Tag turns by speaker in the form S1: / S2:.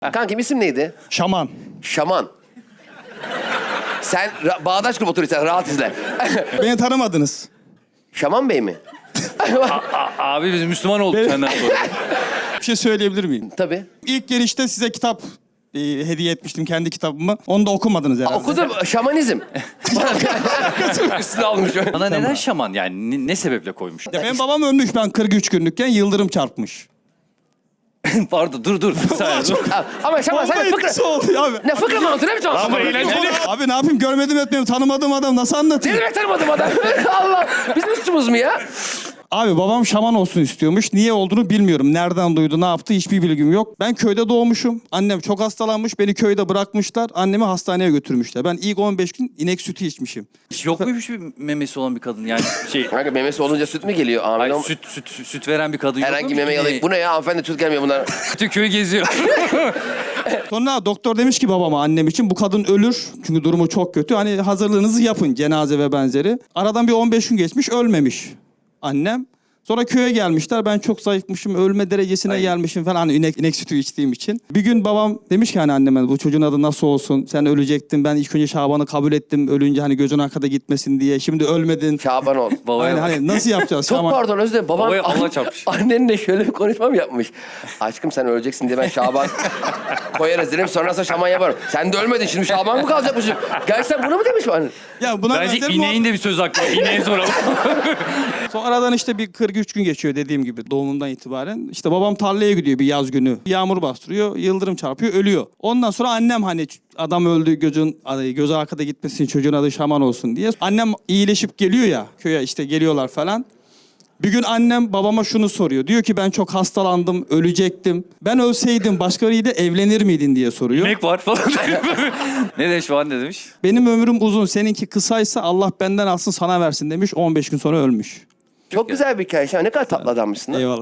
S1: Kankim isim neydi?
S2: Şaman.
S1: Şaman. Sen bağdaş grup oturuyorsun, rahat izle.
S2: Beni tanımadınız.
S1: Şaman Bey mi?
S3: Abi biz Müslüman olduk senden sonra.
S2: Bir şey söyleyebilir miyim?
S1: Tabii.
S2: İlk gelişte size kitap hediye etmiştim, kendi kitabımı. Onu da okumadınız herhalde.
S1: Okudum, şamanizm. Üstüne almış.
S3: Bana neden şaman yani ne sebeple koymuş?
S2: Ya benim babam ölmüş, ben 43 günlükken yıldırım çarpmış.
S3: Pardon dur. Dur.
S1: Ama şaman sen
S2: Vallahi
S1: fıkra...
S2: etkisi oldu abi.
S1: Ne fıkra mı anlatıyorsun? Ne biçim anlatıyorsun?
S2: Abi ne yapayım, görmedim etmiyorum, tanımadığım adam nasıl
S1: Ne
S2: anlatayım?
S1: demek tanımadım adam? Allah! Biz Müslümanız mı ya?
S2: Abi babam şaman olsun istiyormuş. Niye olduğunu bilmiyorum. Nereden duydu, ne yaptı hiçbir bilgim yok. Ben köyde doğmuşum. Annem çok hastalanmış. Beni köyde bırakmışlar. Annemi hastaneye götürmüşler. Ben ilk 15 gün inek sütü içmişim.
S3: Hiç yok muymuş bir memesi olan bir kadın yani
S1: Kanka memesi olunca süt mü geliyor? Amin.
S3: Hayır, süt veren bir kadın yok
S1: Herhangi
S3: muymuş?
S1: meme yalayıp bu ne ya hanımefendi süt gelmiyor bunlar.
S3: Bütün köyü geziyor.
S2: Sonra doktor demiş ki babama, annem için bu kadın ölür. Çünkü durumu çok kötü. Hani hazırlığınızı yapın, cenaze ve benzeri. Aradan bir 15 gün geçmiş, ölmemiş annem. Sonra köye gelmişler. Ben çok zayıfmışım, ölme derecesine gelmişim falan, hani inek sütü içtiğim için. Bir gün babam demiş ki hani anneme, bu çocuğun adı nasıl olsun? Sen ölecektin. Ben ilk önce Şaban'ı kabul ettim. Ölünce hani gözün arkada gitmesin diye. Şimdi ölmedin.
S1: Şaban ol.
S3: Babaya
S2: Aynen,
S3: bak.
S2: hani nasıl yapacağız?
S1: Çok
S2: Şaban?
S1: pardon özür dilerim. Babam
S3: Babaya Allah çarpmış.
S1: annenle şöyle bir konuşma mı yapmış? Aşkım sen öleceksin diye ben Şaban koyarız dedim. Sonrasında şaman yaparım. Sen de ölmedin şimdi Şaban mı kalacakmışım? Gerçekten bunu mu demiş bu anne?
S2: Ya buna
S3: Bence
S2: benzer mi
S3: ineğin de bir söz hakkı var. İneğe soralım.
S2: Sonra aradan işte bir 43 gün geçiyor dediğim gibi doğumundan itibaren. İşte babam tarlaya gidiyor bir yaz günü. Yağmur bastırıyor, yıldırım çarpıyor, ölüyor. Ondan sonra annem hani adam öldü, gözü arkada gitmesin, çocuğun adı Şaman olsun diye. Annem iyileşip geliyor ya köye, işte geliyorlar falan. Bir gün annem babama şunu soruyor. Diyor ki ben çok hastalandım, ölecektim. Ben ölseydim başkalarıyla evlenir miydin diye soruyor.
S3: İnek var falan. Ne demiş falan ne demiş?
S2: Benim ömrüm uzun, seninki kısaysa Allah benden alsın sana versin demiş. 15 gün sonra ölmüş.
S1: Çok güzel bir hikaye. Ne kadar tatlı adammışsın lan.
S2: Eyvallah.